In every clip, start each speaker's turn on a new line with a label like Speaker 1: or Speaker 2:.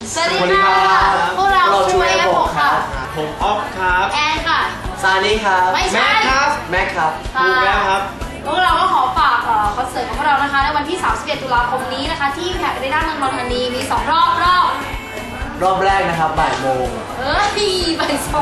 Speaker 1: สวัสดีครับพวกเราช่วยผมค่ะ
Speaker 2: ผมออฟครับ
Speaker 1: แอนค่ะ
Speaker 3: ซานี่ครับ
Speaker 1: ไม่ใช่
Speaker 2: แม็กครับ
Speaker 3: แม็กครับ
Speaker 2: ถูกแล้วครับ
Speaker 1: พวกเราก็ขอฝากคอนเสิร์ตของพวกเรานะคะในวันที่31ตุลาคมนี้นะคะที่แพคได้ด้านเมืองนนทบุรีมี2 รอบ
Speaker 3: รอบแรกนะครับบ่ายโมง
Speaker 1: บ่าย2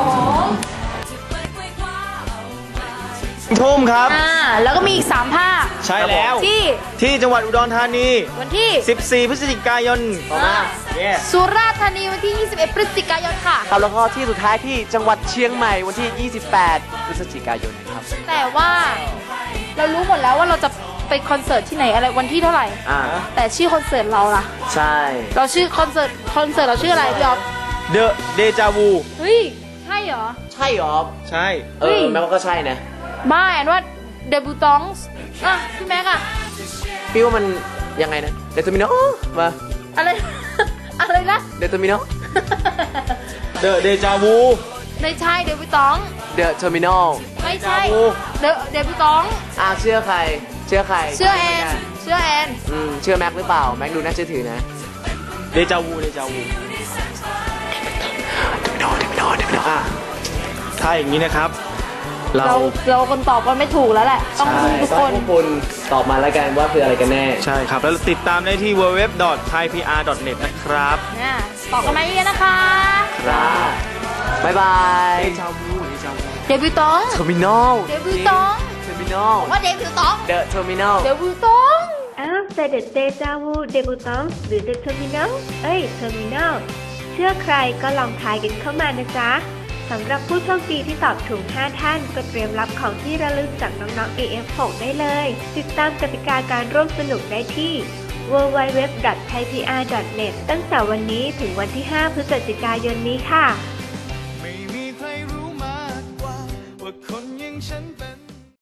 Speaker 2: ทุ่มครับ
Speaker 1: แล้วก็มีอีก3 ภาค
Speaker 2: ใช่แล้วที่จังหวัดอุดรธานี
Speaker 1: วันที่
Speaker 2: 14 พฤศจิกายน
Speaker 1: สุราษฎร์ธานีวันที่21 พฤศจิกายนค่ะ
Speaker 3: ครับแล้วก็ที่สุดท้ายที่จังหวัดเชียงใหม่วันที่28 พฤศจิกายนครับ
Speaker 1: แต่ว่าเรารู้หมดแล้วว่าเราจะไปคอนเสิร์ตที่ไหนอะไรวันที่เท่าไหร่แต่ชื่อคอนเสิร์ตเราล่ะ
Speaker 3: ใช่
Speaker 1: เราชื่อคอนเสิร์ตเราชื่ออะไรพี่อ๊อฟ
Speaker 2: The Deja Vu
Speaker 1: เฮ้ยใช่เหรอ
Speaker 3: ใช่เหรอ
Speaker 2: ใช่
Speaker 3: แม้ว่าก็ใช่นะ
Speaker 1: บ้าแอนว่าเดบิวตองส์พี่แม็กอะ
Speaker 3: พี่ว่ามันยังไงนะเดตมิโนมา
Speaker 1: อะไรนะ
Speaker 3: เดตมิโน
Speaker 2: The Deja Vu
Speaker 1: ไม่ใช่เดบิวตอง
Speaker 3: เดอะเทอร์มินอล
Speaker 1: ไม่ใช่เดบิวตอง
Speaker 3: เชื่อใครเชื่อแอนเชื่อแม็กหรือเปล่าแม็กดูน่าเชื่อถือนะ
Speaker 2: เดจาวูถ้าอย่างนี้นะครับ
Speaker 1: เราคนตอบกันไม่ถูกแล้วแหละต้องทุกคน
Speaker 3: ตอบมาแล้วกันว่าคืออะไรกันแน่
Speaker 2: ใช่ครับแล้วติดตามได้ที่ www.thaipr.net นะครับ
Speaker 1: ตอบกันมาเยอะนะคะ
Speaker 3: ครับบ๊ายบาย
Speaker 1: เดบิวตอง
Speaker 3: เทอร์มินอล
Speaker 1: เดบิวตองว่าเดบิวตอง
Speaker 3: เดอะเทอร์มินอล
Speaker 1: เดบิวตอง
Speaker 4: แต่เดอะเดจาวูเดบิวตองหรือเดอะเทอร์มินอลเทอร์มินอลเชื่อใครก็ลองทายกันเข้ามานะจ๊ะสำหรับผู้โชคดีที่ตอบถูก5 ท่านก็เตรียมรับของที่ระลึกจากน้องๆ AF6 ได้เลยติดตามกติกาการร่วมสนุกได้ที่ www.thaipr.net ตั้งแต่วันนี้ถึงวันที่5 พฤศจิกายนนี้ค่ะ